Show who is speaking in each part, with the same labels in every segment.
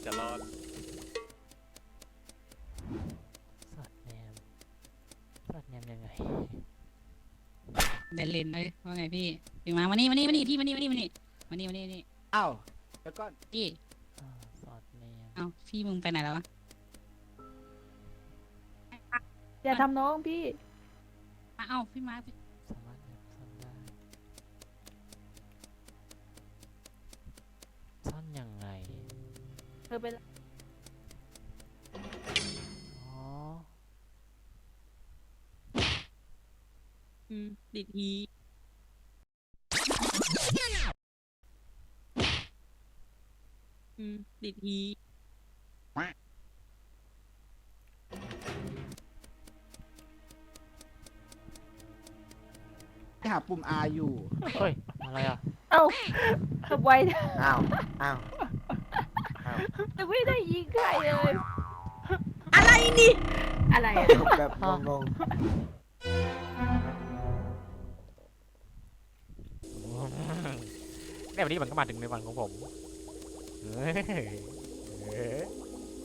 Speaker 1: จะรอด
Speaker 2: สอดแนมยังไง
Speaker 3: เดนเลนเลยว่าไงพี่พี่มานี่พี่มานี่
Speaker 4: อ้าวแล้วก็
Speaker 3: พี่
Speaker 2: สอดแนม
Speaker 3: เอ้าพี่มึงไปไหนแล้ววะ
Speaker 5: อย่าทำน้องพี่
Speaker 3: เอ้าพี่มาร์ค
Speaker 2: สามารถแนบซ่อนได้ซ่อนยังไง
Speaker 5: เธอเป็น
Speaker 2: อ๋อ
Speaker 3: ติดอีติดอี
Speaker 4: หาปุ่ม R อยู่
Speaker 2: เฮ้ยอะไรอ่ะ
Speaker 5: เอ้าทำไว
Speaker 4: อ้าวอ้าว
Speaker 5: จะไม่ได้ยิงใครเลย
Speaker 3: อะไรนี่
Speaker 5: อะไรอะ
Speaker 4: แบบงง
Speaker 2: เนี่ยวันนี้มันก็มาถึงในวันของผมเฮ้ยเฮ้ย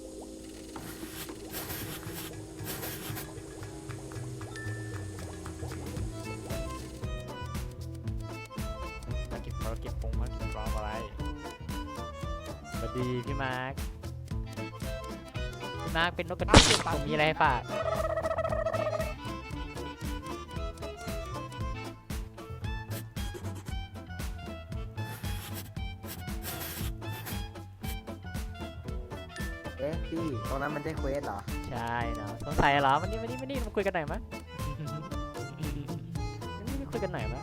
Speaker 2: มาเก็บของเก็บปงมาเก็บกรอบอะไรสวัสดีพี่มาร์คพี่มาร์คเป็นนกกระจอกผมมีอะไรให้ฝาก
Speaker 4: เอ๊ะพี่ตรงนั้นมันใช่เควสเหรอ
Speaker 2: ใช่เนาะสงสัยเหรอวันนี้มาคุยกันหน่อยมั้ย มาคุยกันหน่อยมั้ย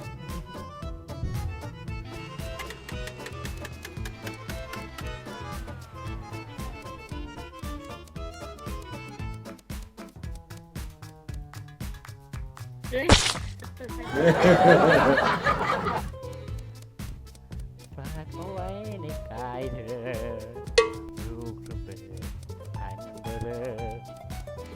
Speaker 2: ฝากเอาไว้ในกายเธอลูกระเบิดหันเบลอ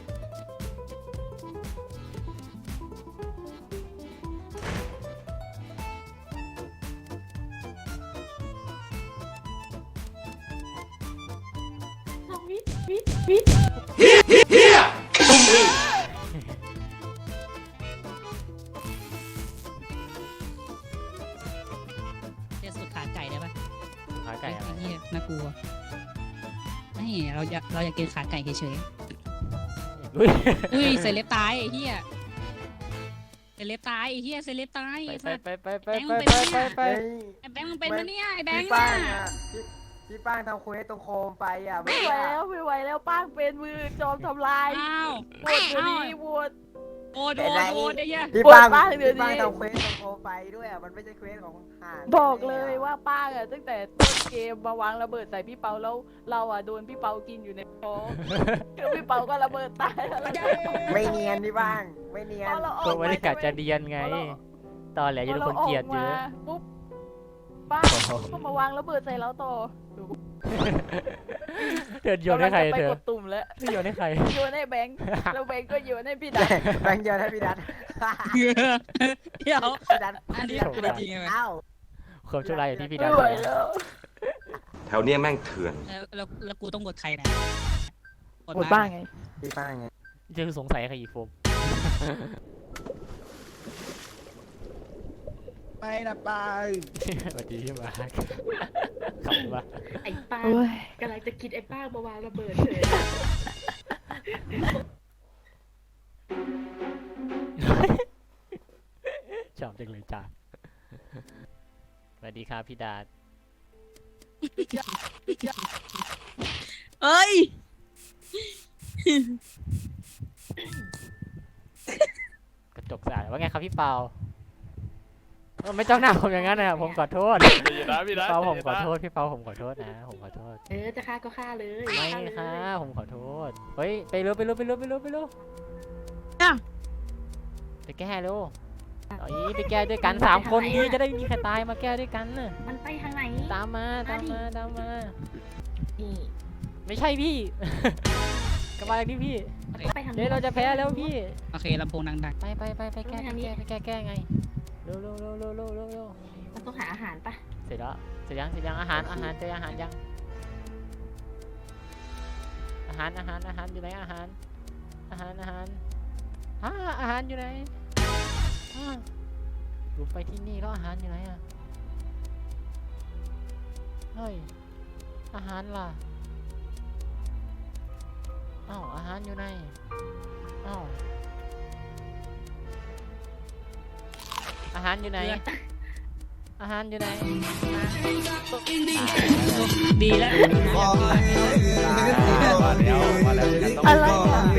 Speaker 3: จะสุดขาไก่ได้ปะ
Speaker 2: ขาไก่อะไร
Speaker 3: เหี้ยน่ากลัวไม่เราอยากกินขาไก่เฉย
Speaker 2: อุ้ย
Speaker 3: ๆอุ้ยเซเลบตายไอ้เหี้ยเซเลบตายไอ้เหี้ยเซเลบตายไอ้สัส
Speaker 2: ไป
Speaker 4: เฮ้ย
Speaker 3: ไอ้แบงค์มึงเป็นปะเนี่ยไอ้แบง
Speaker 4: พี่
Speaker 3: ค์
Speaker 4: ป้า
Speaker 3: น่ะ
Speaker 4: งอ่ะพี่ป้างทำเควสตรงโคมไปอ่ะ
Speaker 5: ไม่ไหวแล้วไม่ไหวแล้วป้างเป็นมือจอมทำลาย
Speaker 3: อ้าว
Speaker 5: โหวตเดี๋ยวนี้โหวต
Speaker 3: โอดไอ้เหี้ย
Speaker 4: พี่ป้าง
Speaker 5: โหวตป้างเดี๋ยวนี้
Speaker 4: พี่ป้างทำเควสตรงโคมไปด้วยอ่ะมันไม่ใช่เควสของห่าน
Speaker 5: บอกเลยว่าป้างอะตั้งแต่ต้นเกมมาวางระเบิดใส่พี่เปาแล้วเราอะโดนพี่เปากินอยู่ในท้องแล้วพี่เปาก็ระเบิดตายแล้วเราจะ
Speaker 4: ไม่เนียนพี่ป้างไม่เนียน
Speaker 5: พอเราอ
Speaker 2: ตั
Speaker 5: อ
Speaker 2: ว
Speaker 5: ก
Speaker 2: ไม่ได้กะจะเดียนไง ตอนแหลจะโดนคนเกลียดเยอะ
Speaker 5: ปุ๊บป้างก็มาวางระเบิดใส่เราต่อ
Speaker 2: เธอโยนให้ใคร
Speaker 5: ไป
Speaker 2: เธอก
Speaker 5: ดตุ่มแล้ว
Speaker 2: เธอโยนให้ใคร
Speaker 5: โยนให้แบงค์แล้วแบงค์ก็โยนให้พี่ดัน
Speaker 4: แบงค์เยอะนะพี่ดัด
Speaker 3: เดี๋ยว
Speaker 4: พี่ดัด
Speaker 3: อันนี้
Speaker 4: พี่
Speaker 3: คือ
Speaker 4: ดัด
Speaker 3: จริงไหม
Speaker 4: อ้าว
Speaker 2: ความชั่วร้ายอยู่ที่พี่ดา
Speaker 5: ไม่ไหวแล้ว
Speaker 6: แถวเนี้ยแม่งเถื่อน
Speaker 3: แล้วกูต้องกดใครนะ
Speaker 5: หมดบ้างไง
Speaker 4: พี่ป้างไง
Speaker 2: เจะสงสัยใครอีกโฟม
Speaker 4: ไม่นะป้าง
Speaker 2: สวัสดีพี่มาร์คขำปะ
Speaker 7: ไอ้ป้าง
Speaker 5: โอ้ย
Speaker 7: กำลังจะคิดไอ้ป้างมาวางระเบิดเฉย
Speaker 2: ชอบจังเลยจ้าสวัสดีครับพี่ดา
Speaker 3: เอ้ย
Speaker 2: กระจกสะอาดว่าไงครับพี่เปาไม่จ้องหน้าผมอย่างนั้นนะผมขอโทษ
Speaker 1: ดีนะพี่นะ
Speaker 2: พี่เปาผมขอโทษพี่เปาผมขอโทษนะผมขอโทษ
Speaker 7: จะฆ่าก็ฆ่าเลย
Speaker 2: ไม่
Speaker 7: ฆ่าเลย
Speaker 2: ค่ะผมขอโทษเฮ้ยไปเร็วไปแก้เร็วไปแก้ด้วยกัน3 คนนี้จะได้มีใครตายมาแก้ด้วยกันน่ะ
Speaker 7: มันไปทางไหน
Speaker 2: ตามมา
Speaker 7: นี่
Speaker 2: ไม่ใช่พี่ กลับมาที่พี่
Speaker 7: ไปทาง
Speaker 2: เดี๋ยวเราจะแพ้แล้วพี่
Speaker 3: โอเคลำโพงดัง
Speaker 2: ไปแก้ไงเร็ว
Speaker 7: มันต้องหาอาหารปะ
Speaker 2: เสร็จยังอาหารเจออาหารยังหารอยู่ไหนอาหารอาหารอยู่ไหนลุกไปที่นี่แล้วอาหารอยู่ไหนอะเฮ้ยอาหารล่ะอ้าวอาหารอยู่ไหนอ้าวอาหารอยู่ไหนอาหารอยู่ไหน
Speaker 3: ดีแล้ว
Speaker 5: อะไรอ่ะ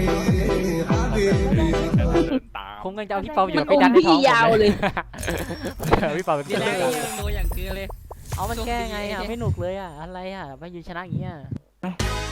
Speaker 2: ผมกำลังจะเอาพี่เปาอยู่กับพี่ดันในท้องผม
Speaker 3: ยาวเลย
Speaker 2: พี่เปาเป็น
Speaker 3: ดี
Speaker 2: เพื่อน
Speaker 3: แล้ว
Speaker 2: กัน
Speaker 3: โดนอย่างเกลือเลย
Speaker 2: เอามันแก้ไงอ่ะไม่หนุกเลยอ่ะอะไรอ่ะไปยืนชนะอย่างเงี้ย